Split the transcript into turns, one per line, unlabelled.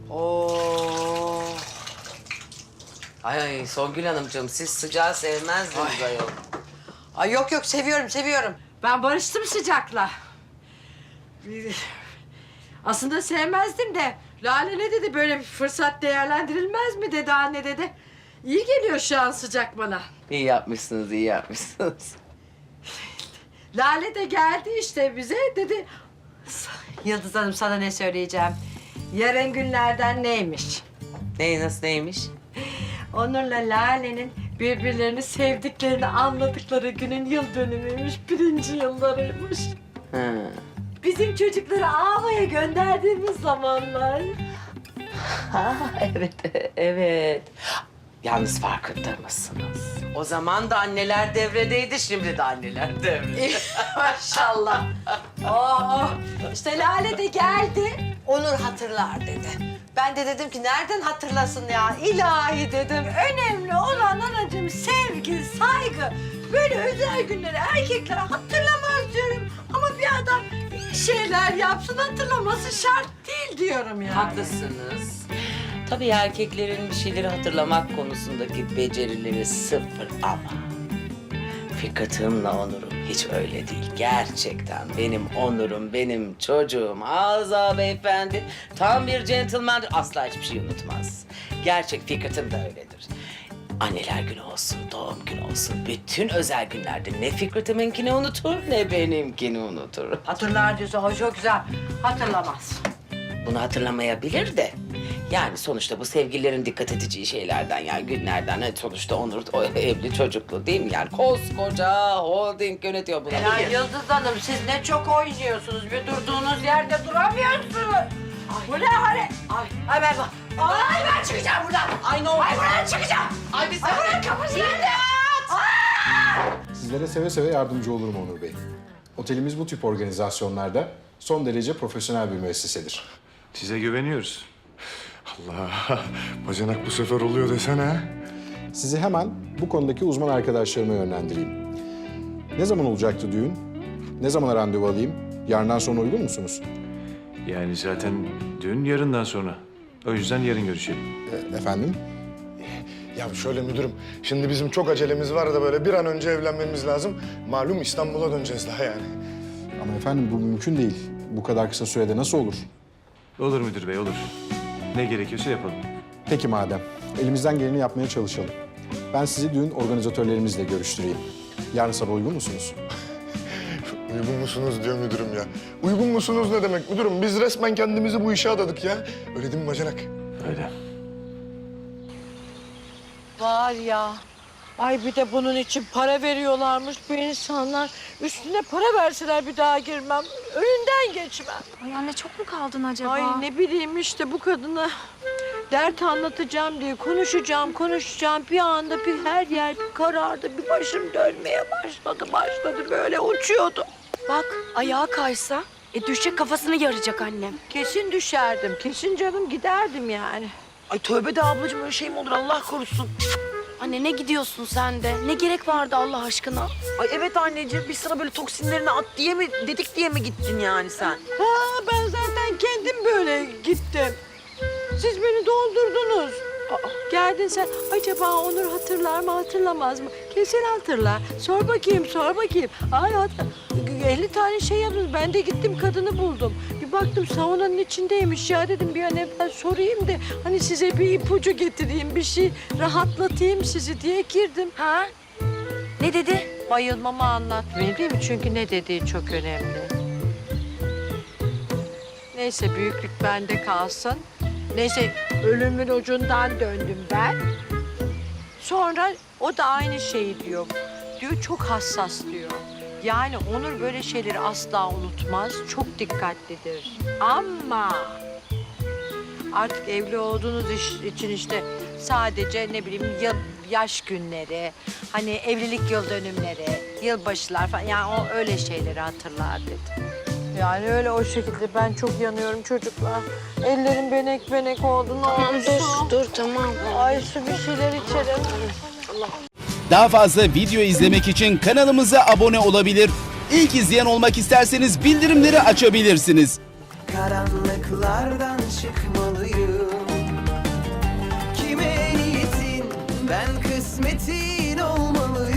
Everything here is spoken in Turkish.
Oo. Ay Songül Hanımcığım siz sıcağı sevmezdiniz ayol.
Ay yok yok seviyorum. Ben barıştım sıcakla. Aslında sevmezdim de Lale ne dedi, böyle bir fırsat değerlendirilmez mi dedi, anne dedi. İyi geliyor şu an sıcak bana.
İyi yapmışsınız, iyi yapmışsınız.
Lale de geldi işte bize dedi. Yıldız Hanım sana ne söyleyeceğim. Yarın günlerden neymiş?
Nasıl neymiş?
Onur'la Lale'nin birbirlerini sevdiklerini anladıkları günün yıl dönümüymüş, 1. yıllarıymış.
Ha.
Bizim çocukları Ava'ya gönderdiğimiz zamanlar.
Ha, evet. Yalnız farkında mısınız? O zaman da anneler devredeydi, şimdi de anneler devrede.
Maşallah. Oh, işte Lale de geldi. Onur hatırlar dedi. Ben de dedim ki nereden hatırlasın ya? İlahi dedim. Önemli olan anacığım sevgi, saygı. Böyle özel günleri erkekler hatırlamaz diyorum. Ama bir adam iyi şeyler yapsın, hatırlaması şart değil diyorum yani.
Haklısınız. Tabii erkeklerin bir şeyleri hatırlamak konusundaki becerileri sıfır ama... Fikret'imle Onur'um hiç öyle değil. Gerçekten benim Onur'um, benim çocuğum Azza beyefendi tam bir gentleman'dır. Asla hiçbir şey unutmaz. Gerçek Fikret'im de öyledir. Anneler günü olsun, doğum günü olsun, bütün özel günlerde ne Fikret'iminkini unutur ne benimkini unutur.
Hatırlar diyorsa o çok güzel. Hatırlamaz.
Bunu hatırlamayabilir de. Yani sonuçta bu sevgililerin dikkat edeceği şeylerden, yani günlerden. Sonuçta Onur o evli çocuklu değil mi? Yani koskoca holding yönetiyor bunu.
Ya Yıldız Hanım siz ne çok oynuyorsunuz. Bir durduğunuz yerde duramıyorsunuz. Bu ne hale? Ay ben çıkacağım buradan. Ay buradan çıkacağım. Ay buradan kapısı nerede?
Sizlere seve seve yardımcı olurum Onur Bey. Otelimiz bu tip organizasyonlarda son derece profesyonel bir müessesedir.
Size güveniyoruz. Allah, bacanak bu sefer oluyor desene.
Sizi hemen bu konudaki uzman arkadaşlarıma yönlendireyim. Ne zaman olacaktı düğün? Ne zaman randevu alayım? Yarından sonra uygun musunuz?
Yani zaten düğün yarından sonra. O yüzden yarın görüşelim.
Efendim?
Ya şöyle müdürüm, şimdi bizim çok acelemiz var da böyle bir an önce evlenmemiz lazım. Malum İstanbul'a döneceğiz daha yani.
Ama efendim bu mümkün değil. Bu kadar kısa sürede nasıl olur?
Olur müdür bey, olur. Ne gerekiyorsa yapalım.
Peki madem. Elimizden geleni yapmaya çalışalım. Ben sizi düğün organizatörlerimizle görüştüreyim. Yarın sabah uygun musunuz?
Uygun musunuz diyor müdürüm ya. Uygun musunuz ne demek müdürüm? Biz resmen kendimizi bu işe adadık ya. Öyle değil mi bacanak?
Öyle.
Var ya. Ay bir de bunun için para veriyorlarmış bu insanlar. Üstüne para verseler bir daha girmem. Önünden geçmem.
Ay anne çok mu kaldın acaba?
Ay ne bileyim işte bu kadına dert anlatacağım diye konuşacağım. Bir anda bir her yer bir karardı. Bir başım dönmeye başladı böyle uçuyordu.
Bak ayağa kaysa düşecek, kafasını yaracak annem.
Kesin düşerdim. Kesin canım giderdim yani.
Ay tövbe de ablacığım, öyle şey mi olur Allah korusun.
Anne ne gidiyorsun sen de? Ne gerek vardı Allah aşkına?
Ay evet anneciğim, biz sana böyle toksinlerini at diye mi dedik diye mi gittin yani sen?
Ha ben zaten kendim böyle gittim. Siz beni doldurdunuz. Geldin sen. Acaba Onur hatırlar mı hatırlamaz mı? Kesin hatırlar. Sor bakayım. Ay 50 tane şey yaptınız. Ben de gittim kadını buldum. Bir baktım saunanın içindeymiş ya, dedim bir an evvel sorayım da hani size bir ipucu getireyim, bir şey rahatlatayım sizi diye girdim.
Ha? Ne dedi?
Bayılmamı anlatmayayım değil mi? Çünkü ne dediği çok önemli. Neyse büyüklük bende kalsın. Neyse ölümün ucundan döndüm ben. Sonra o da aynı şeyi diyor. Diyor çok hassas diyor. Yani Onur böyle şeyleri asla unutmaz. Çok dikkatlidir. Ama artık evli olduğunuz için işte sadece ne bileyim yaş günleri, hani evlilik yıl dönümleri, yılbaşılar falan, yani o öyle şeyleri hatırlar dedi. Yani öyle o şekilde ben çok yanıyorum çocuklar. Ellerim benek oldu.
Tamam dur tamam.
Ay su bir şeyler içelim.
Daha fazla video izlemek için kanalımıza abone olabilir. İlk izleyen olmak isterseniz bildirimleri açabilirsiniz.
Karanlıklardan çıkmalıyım. kısmetin olmalı.